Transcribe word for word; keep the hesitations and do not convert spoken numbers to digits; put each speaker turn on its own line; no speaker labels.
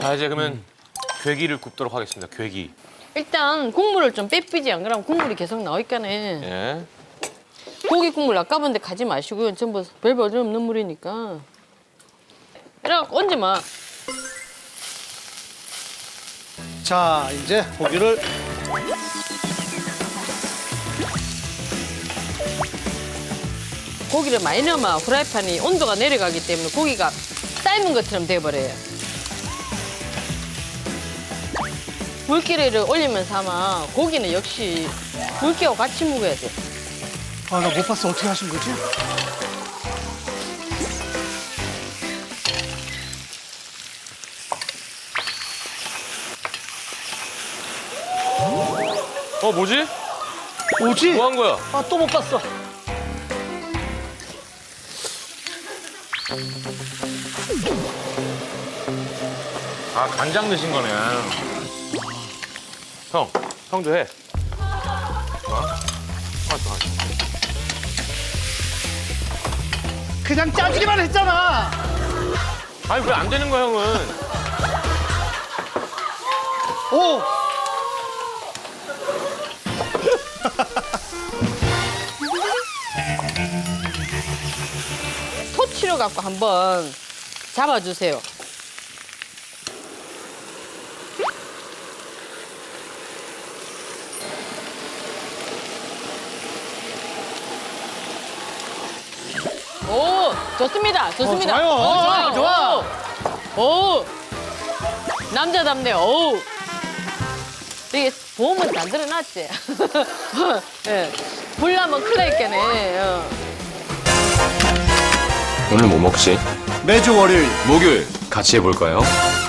자, 이제 그러면 괴기를 굽도록 하겠습니다. 괴기.
일단 국물을 좀 빼삐지 안 그러면 국물이 계속 나오니까네.
예.
고기 국물 아까운데 가지 마시고요. 전부 별별 없는 물이니까. 이래갖고 얹지 마.
자, 이제 고기를
고기를 많이 넣으면 후라이팬이 온도가 내려가기 때문에 고기가 삶은 것처럼 돼버려요. 물기를 올리면서 아마 고기는 역시 물기하고 같이 먹어야 돼.
아, 나 못 봤어. 어떻게 하신 거지?
어, 뭐지?
오지?
뭐 한 거야?
아, 또 못 봤어.
아, 간장 넣으신 거네. 형, 형도 해. 뭐? 알았어, 알았어.
그냥 짜주기만 했잖아.
아니, 왜 안 되는 거야, 형은?
오!
토치로 갖고 한번 잡아주세요. 오, 좋습니다. 좋습니다.
어, 좋아요.
오,
좋아, 좋아.
오, 오. 남자답네. 오. 이게 보험은 안 들어놨지. 예. 불나면 큰일 났겠네. 어.
오늘 뭐 먹지?
매주 월요일
목요일 같이 해볼까요?